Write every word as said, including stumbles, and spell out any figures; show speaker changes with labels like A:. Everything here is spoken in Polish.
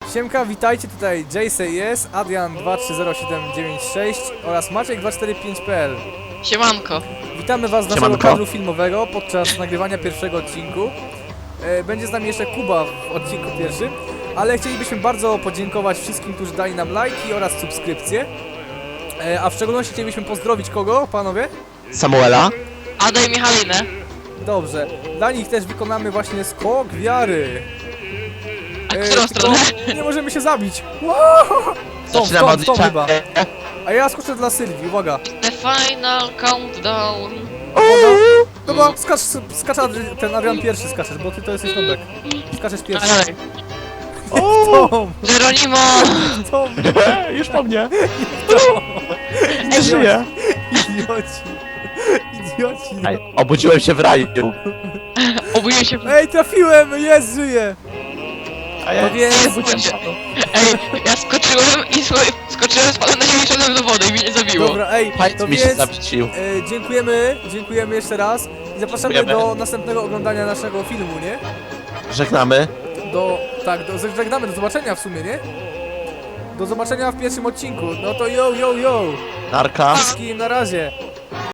A: Siemka, witajcie, tutaj J C S, Adrian dwa trzy zero siedem dziewięć sześć oraz Maciek dwa cztery pięć kropka p l.
B: Siemanko.
A: Witamy was z naszego
C: Siemanko.
A: kadru filmowego podczas nagrywania pierwszego odcinku. E, będzie z nami jeszcze Kuba w odcinku pierwszym, ale chcielibyśmy bardzo podziękować wszystkim, którzy dali nam lajki oraz subskrypcje. E, a w szczególności chcielibyśmy pozdrowić kogo, panowie?
C: Samuela?
B: Ada i Michalinę.
A: Dobrze, dla nich też wykonamy właśnie skok wiary.
B: A którą stronę?
A: Nie możemy się zabić. Wow! Tą,
C: Zaczynamy
A: tą,
C: od
A: tą
C: liczenia.
A: chyba. A ja skoczę dla Sylwii, uwaga.
B: The final countdown.
A: Dobra, skacz, skacz Adri- ten Adrian pierwszy skaczesz, bo ty to jesteś nobek. Skaczesz pierwszy.
B: Dalej.
A: Tom,
B: Geronimo!
A: Tom,
C: Już po mnie! Nie żyję!
A: idioci. Idioci. No.
C: Ej, obudziłem się w raju.
B: Obudziłem się w...
A: Ej, trafiłem, jest, żyję.
C: A ja
A: No więc-
C: nie obudziłem się.
B: Ej, ja skoczyłem i słuchaj, skoczyłem, spadłem na ziemię i szedłem do wody i mnie nie zabiło.
A: Dobra, ej, to
C: Fajt mi się
A: więc
C: zawrócił.
A: e, dziękujemy, dziękujemy jeszcze raz i zapraszamy
C: Dziękujemy.
A: do następnego oglądania naszego filmu, nie?
C: Żegnamy.
A: Do, tak, do, żegnamy, do zobaczenia w sumie, nie? Do zobaczenia w pierwszym odcinku, no to yo, yo, yo.
C: Narka.
A: Wszystkim na razie.